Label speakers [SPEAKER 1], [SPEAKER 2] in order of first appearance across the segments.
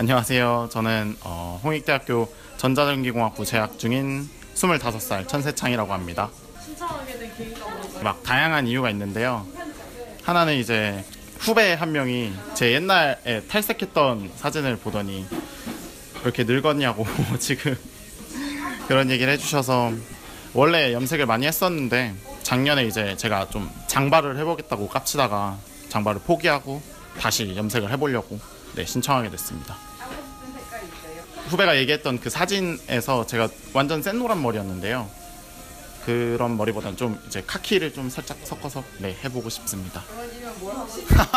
[SPEAKER 1] 안녕하세요. 저는 홍익대학교 전자전기공학부 재학 중인 25살 천세창이라고 합니다.
[SPEAKER 2] 신청하게 된 계기가 뭔가요?
[SPEAKER 1] 막 다양한 이유가 있는데요. 하나는 이제 후배 한 명이 제 옛날에 탈색했던 사진을 보더니 왜 이렇게 늙었냐고 지금 그런 얘기를 해주셔서, 원래 염색을 많이 했었는데 작년에 이제 제가 좀 장발을 해보겠다고 깝치다가 장발을 포기하고 다시 염색을 해보려고 신청하게 됐습니다.
[SPEAKER 2] 하고 싶은 색깔이 있어요?
[SPEAKER 1] 후배가 얘기했던 그 사진에서 제가 완전 센 노란 머리였는데요. 그런 머리보다는 좀 이제 카키를 좀 살짝 섞어서 해보고 싶습니다.
[SPEAKER 2] 젊어지면 뭘 하고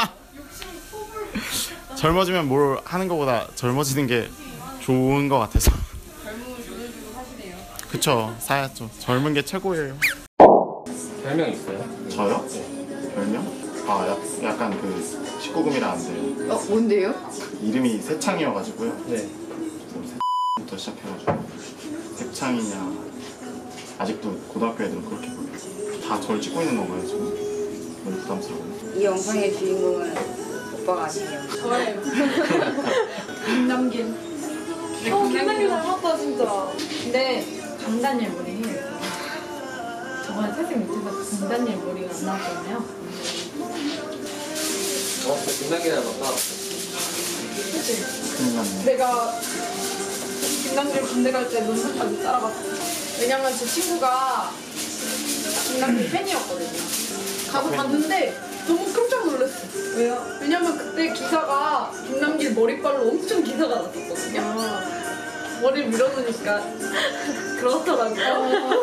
[SPEAKER 1] 젊어지면 뭘 하는 것보다 젊어지는 게 좋은 것 같아서.
[SPEAKER 2] 젊음을 돈을 주고 사시네요.
[SPEAKER 1] 그쵸, 사야죠. 젊은 게 최고예요.
[SPEAKER 3] 별명 있어요?
[SPEAKER 1] 저요? 별명? 약간 그 19금이라는데
[SPEAKER 2] 뭔데요?
[SPEAKER 1] 이름이 세창이어가지고요.
[SPEAKER 3] 네.
[SPEAKER 1] 부터 시작해가지고 세창이냐, 아직도 고등학교 애들은 그렇게 불러요. 다 절 찍고 있는 건가요 지금? 너무 부담스러워요.
[SPEAKER 4] 이 영상의 주인공은 오빠가 아니에요.
[SPEAKER 2] 저예요. 김남길. 김남길 닮았다 진짜. 근데 강다니엘 머리 해요. 저번에 탈색 밑에서 강다니엘 머리가 안 나왔잖아요.
[SPEAKER 3] 김남길 닮았다.
[SPEAKER 2] 그치?
[SPEAKER 1] 큰일 났네.
[SPEAKER 2] 내가 김남길 군대 갈 때 논문까지 따라갔어. 왜냐면 제 친구가 김남길 팬이었거든요. 가서 봤는데 너무 깜짝 놀랐어. 왜요? 왜냐면 그때 기사가 김남길 머리빨로 엄청 기사가 났었거든요. 머리를 밀어놓으니까 그렇더라고요.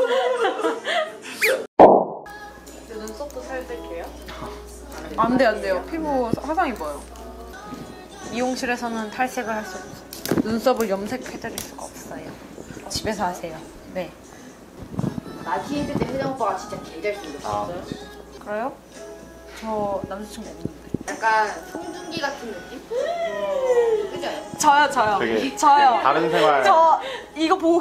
[SPEAKER 2] 눈썹도 살뜰게요?
[SPEAKER 5] 안 돼요. 피부 화상 입어요. 미용실에서는 탈색을 할 수 없어요. 눈썹을 염색해드릴 수가 없어요. 집에서 하세요. 네.
[SPEAKER 4] 나티 했을 때 혜정 오빠가 진짜 개잘 생겼어요.
[SPEAKER 5] 그래요? 저 남자친구 없는데.
[SPEAKER 4] 약간 송중기 같은 느낌? 그죠?
[SPEAKER 5] 저요.
[SPEAKER 1] 되게
[SPEAKER 5] 저요.
[SPEAKER 1] 다른 생활.
[SPEAKER 5] 저 이거 보고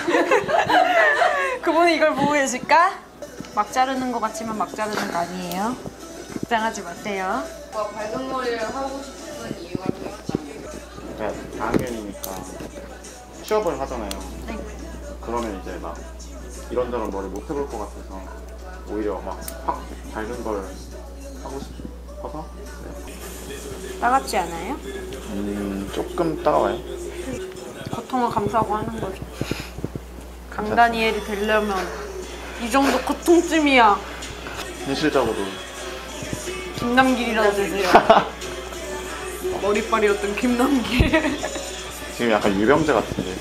[SPEAKER 5] 그분이 이걸 보고 계실까? 막 자르는 것 같지만 막 자르는 거 아니에요. 걱정하지 마세요.
[SPEAKER 4] 오빠 밝은 머리를 하고 싶은 이유가 또 있다면?
[SPEAKER 1] 제가 4학년이니까 취업을 하잖아요.
[SPEAKER 5] 네.
[SPEAKER 1] 그러면 이제 막 이런저런 머리 못 해볼 것 같아서 오히려 막 확 밝은 걸 하고 싶어서.
[SPEAKER 5] 따갑지 않아요?
[SPEAKER 1] 조금 따가워요.
[SPEAKER 5] 고통을 감수하고 하는 거죠. 강다니엘이 되려면 이 정도 고통쯤이야.
[SPEAKER 1] 현실적으로
[SPEAKER 5] 김남길이라도 되세요. 머리빨이었던 김남길.
[SPEAKER 1] 지금 약간 유병재 같은데.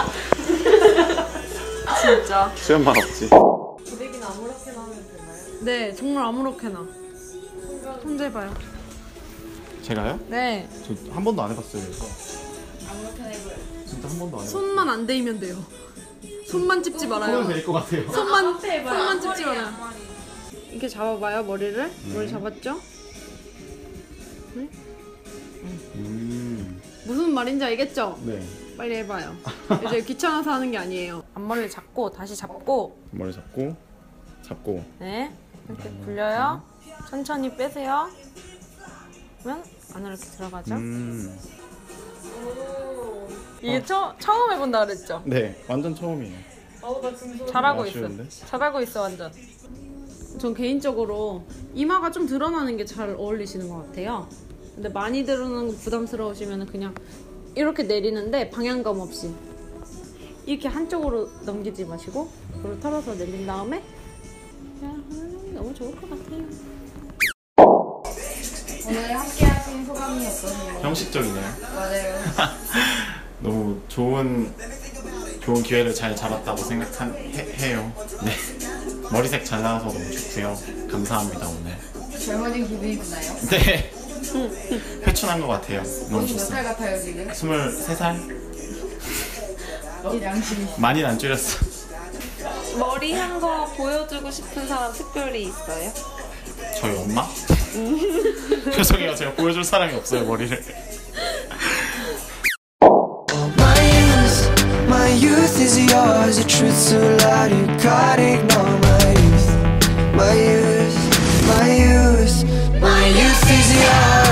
[SPEAKER 5] 진짜.
[SPEAKER 1] 수염만 없지.
[SPEAKER 2] 고데기는 아무렇게나 하면 되나요?
[SPEAKER 5] 네, 정말 아무렇게나. 손대봐요.
[SPEAKER 1] 제가요?
[SPEAKER 5] 네.
[SPEAKER 1] 저 한 번도 안 해봤어요 이거. 진짜 한 번도 안 해봤어요.
[SPEAKER 5] 손만 안 대이면 돼요. 손만 찝지 말아요.
[SPEAKER 1] 될것 같아요.
[SPEAKER 5] 손만 찝지 말아요. 이렇게 잡아봐요, 머리를. 머리 잡았죠? 네? 무슨 말인지 알겠죠?
[SPEAKER 1] 네.
[SPEAKER 5] 빨리 해봐요. 이제 귀찮아서 하는 게 아니에요. 앞머리 잡고 다시 잡고.
[SPEAKER 1] 머리 잡고
[SPEAKER 5] 네. 이렇게 굴려요. 천천히 빼세요. 그러면 안으로 이렇게 들어가죠. 이게 처음 해본다 그랬죠?
[SPEAKER 1] 네, 완전 처음이에요.
[SPEAKER 2] 나 지금
[SPEAKER 5] 잘하고
[SPEAKER 1] 아쉬운데?
[SPEAKER 5] 있어. 잘하고 있어 완전. 전 개인적으로 이마가 좀 드러나는 게 잘 어울리시는 것 같아요. 근데 많이 드러나는 거 부담스러우시면 그냥 이렇게 내리는데 방향감 없이 이렇게 한쪽으로 넘기지 마시고 그걸 털어서 내린 다음에 그냥 하면 너무 좋을 것 같아요.
[SPEAKER 4] 오늘 함께 하신 소감이 어떠세요?
[SPEAKER 1] 형식적이네요.
[SPEAKER 4] 맞아요.
[SPEAKER 1] 너무 좋은 기회를 잘 잡았다고 생각해요. 네. 머리색 잘 나와서 너무 좋고요. 감사합니다 오늘.
[SPEAKER 4] 젊어진 기분이 드나요?
[SPEAKER 1] 네. 회춘한 것 같아요. 너무
[SPEAKER 4] 몇 살
[SPEAKER 1] 좋습니다.
[SPEAKER 4] 같아요 지금?
[SPEAKER 1] 23살?
[SPEAKER 4] 이 양심이.
[SPEAKER 1] 많이는 안 줄였어.
[SPEAKER 6] 머리 한 거 보여주고 싶은 사람 특별히 있어요?
[SPEAKER 1] 저희 엄마? 죄송해요. 제가 보여줄 사람이 없어요 머리를.
[SPEAKER 7] My youth is yours, the truth so loud you can't ignore my youth is yours.